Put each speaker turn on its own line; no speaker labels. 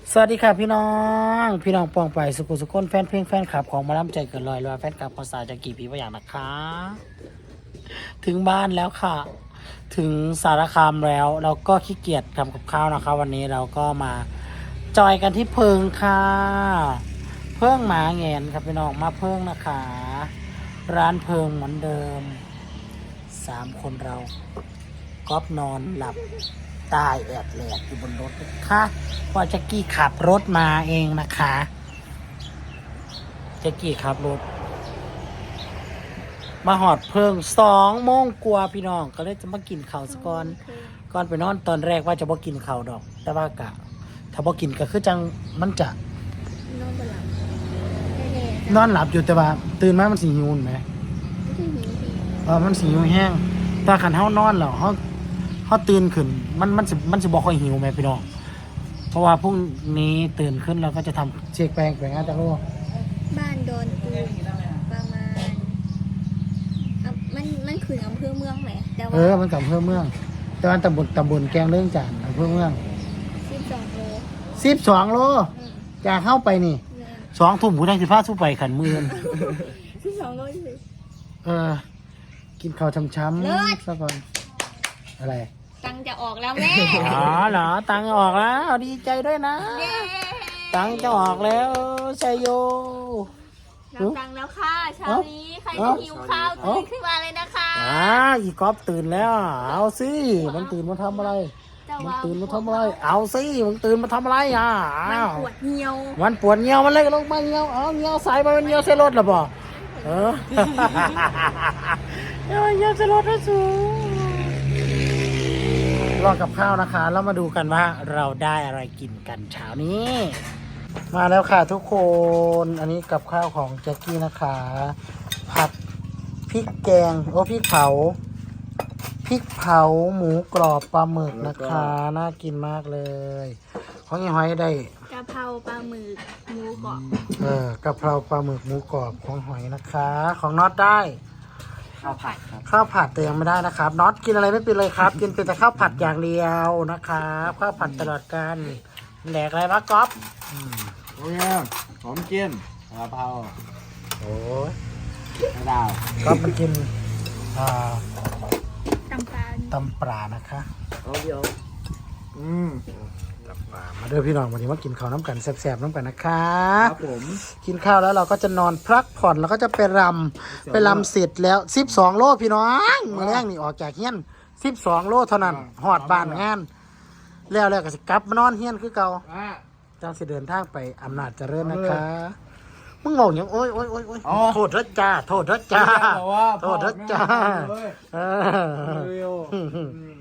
สวัสดีค่ะพี่น้องปองไปสุขุสุขนแฟนเพลงแฟนคลับของมาล้ำใจเกินลอยแฟนคลับภาษาจากกี่ปีว่าอย่างนะคะ ถึงบ้านแล้วค่ะ ถึงสารคามแล้วเราก็ขี้เกียจทำกับข้าวนะคะ วันนี้เราก็มาจอยกันที่เพิงค่ะ เพิงหมาแงนครับพี่น้องมาเพิงนะคะ ร้านเพิงเหมือนเดิม3 คนเราก๊อฟนอนหลับตายแอดแหลกอยู่บนรถนะคะว่าแจ็กกี้ขับรถมาเองนะคะแจ็กกี้ขับรถมาหอดเพิง2 โมงกว่าพี่น้องก็เลยจะมากินข้าวสก่อนไปนอนตอนแรกว่าจะบ่กินข้าวดอก แต่ว่ากะถ้าบ่กินก็คือจังมันจะ
นอนบนหลับ
นอนหลับอยู่แต่ว่าตื่นมามันสิหิวไหม
ไม่ใช่หิวสิ
มันสิหิวแห้งถ้าขันเฮานอนแล้วเฮาตื่นขึ้นมันสิบ่ค่อยหิวไหมพี่น้องเพราะว่าพรุ่งนี้ตื่นขึ้นเราก็จะทำเช็คแปลงงานจากโลก
บ้านโดนตูมประมาณมันคืออำเภอเมืองไหมแต่ว่า
มันกับอำเภอเมือง แต่ว่าตำบลแกงเรื่องจานอำเภอเมือง
12 โล
12 โลจากเข้าไปนี่2 ทุ่มผู้ใดสิพาสู้ไปขันมือ
12 โลสิ
กินข้าวช้ำๆซะก่อนอะไร
ตังจะออกแล้วแม่
อ๋อเหรอตังค์ออกแล้วดีใจด้วยนะ ตังค์จะออกแล้วชัยโย
รับตังแล้วค่ะเช้านี้ใครจะหิวข้าวตื่นขึ้นมาเลยนะคะ
อีกอฟตื่นแล้ว เอาสิมันตื่นมาทำอะไรมันตื่นมาทำอะไรเอาสิมันตื่นมาทำอะไร
มันปวดเหี่ยว
มันปวดเหี่ยวมันเลยลงมาเหี่ยวเหี่ยวใส่ไปมันเหี่ยวใส่รถหรอบ่เหี่ยวใส่รถได้สูรอกับข้าวนะคะแล้วมาดูกันว่าเราได้อะไรกินกันเช้านี้มาแล้วค่ะทุกคนอันนี้กับข้าวของแจ็คกี้นะคะผัดพริกแกงพริกเผาหมูกรอบปลาหมึกนะคะน่ากินมากเลยของยี่ห้อยได้
กะเพราปลาหมึกหมูกรอบ
กะเพราปลาหมึกหมูกรอบของหอยนะคะของน็อตได้
ข้าวผัด
ข้าวผัดแต่ยังไม่ได้นะครับน็อตกินอะไรไม่เป็นเลยครับกินเป็นแต่ข้าวผัดอย่างเดียวนะครับข้าวผัดตลอดการแหลกอะไรวะก๊อฟ
โอ้ยหอมกินกะเพรา
โอ้ย
ไม่ดาว
ก๊อฟมันกิน
ตำปลา
นะคะ
เอาเดียว
ตำปลามาเด้อพี่น้องวันนี้มากินข้าวน้ำกันแซ่บๆน้ำกันนะคะ
ครับผม
กินข้าวแล้วเราก็จะนอนพักผ่อนแล้วก็จะไปรำเสร็จแล้ว12 โลพี่น้องมาแรกนี่ออกจากเฮียน12 โลเท่านั้นหอดบ้านงานแล้วก็จะกลับมานอนเฮียนคือเก่าจังสิเดินทางไปอำนาจเจริญนะคะมึงบอกอย่างโอ้ยโทษรถจ้าโทษรถจ้า